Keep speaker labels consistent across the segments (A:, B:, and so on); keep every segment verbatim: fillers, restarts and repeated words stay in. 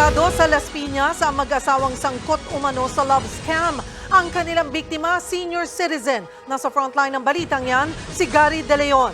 A: Akusado sa Las Piñas ang mag-asawang sangkot umano sa love scam. Ang kanilang biktima, senior citizen. Nasa frontline ng balitang yan, si Gary De Leon.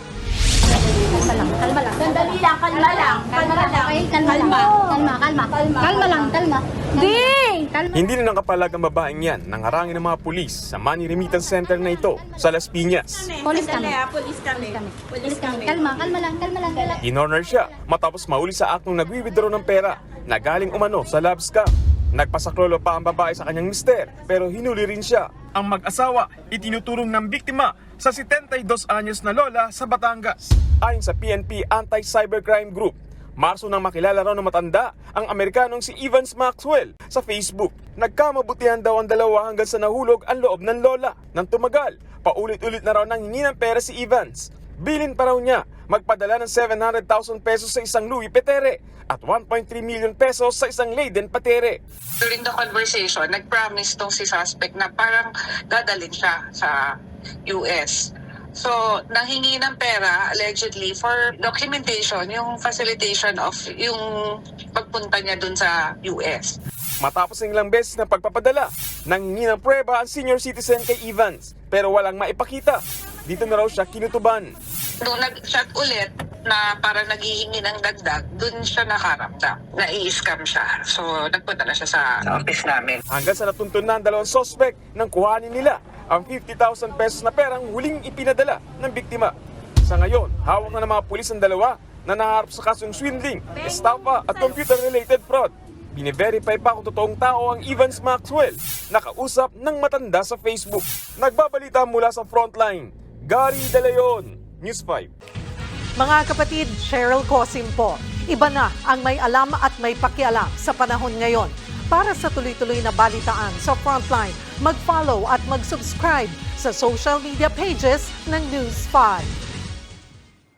B: Kalma lang, kalma lang. Sandali lang, kalma lang. Kalma lang. Okay, kalma lang. Kalma, kalma. Kalma lang, kalma. Di! Kalma.
C: Hindi na nakapalag ang babaeng yan nang harangin ng mga pulis sa money remittance center na ito sa Las Piñas.
B: Police kami.
D: Police kami.
B: Police kami. Kalma, kalma lang, kalma lang. Kalma.
C: Inorner siya matapos mahuli sa aktong nagwi-withdraw ng pera na galing umano sa love scam. Nagpasaklolo pa ang babae sa kanyang mister pero hinuli rin siya. Ang mag-asawa itinuturong ng biktima sa seventy-two anyos na lola sa Batangas. Ayon sa P N P Anti-Cybercrime Group, Marso nang makilala raw ng matanda ang Amerikanong si Evans Maxwell sa Facebook. Nagkamabutihan daw ang dalawa hanggang sa nahulog ang loob ng lola. Nang tumagal, paulit-ulit na raw nang hingi ng pera si Evans. Bilin pa raw niya magpadala ng seven hundred thousand pesos sa isang Louis Petere at one point three million pesos sa isang Leiden Patere.
D: During the conversation, nag-promise tong si suspect na parang dadalhin siya sa U S. So, nanghingi ng pera, allegedly, for documentation, yung facilitation of yung pagpunta niya dun sa U S.
C: Matapos ng ilang beses na pagpapadala, nanghingi ng prueba ang senior citizen kay Evans pero walang maipakita. Dito na raw siya kinutuban.
D: Nung nag-chat ulit na parang naghihingi ng dagdag, dun siya nakaramdam. Na-i-scam siya. So, nagpunta na siya sa office namin.
C: Hanggang sa natuntun na ang dalawang suspect nang kuhanin nila ang fifty thousand pesos na perang huling ipinadala ng biktima. Sa ngayon, hawak na ng mga pulis ang dalawa na naharap sa kasong swindling, estafa at computer-related fraud. Bine-verify pa kung totoong tao ang Evans Maxwell, nakausap ng matanda sa Facebook. Nagbabalita mula sa frontline, Gary De Leon, News five.
A: Mga kapatid, Cheryl Cosim po. Iba na ang may alam at may pakialam sa panahon ngayon. Para sa tuloy-tuloy na balitaan sa Frontline, mag-follow at mag-subscribe sa social media pages ng News five.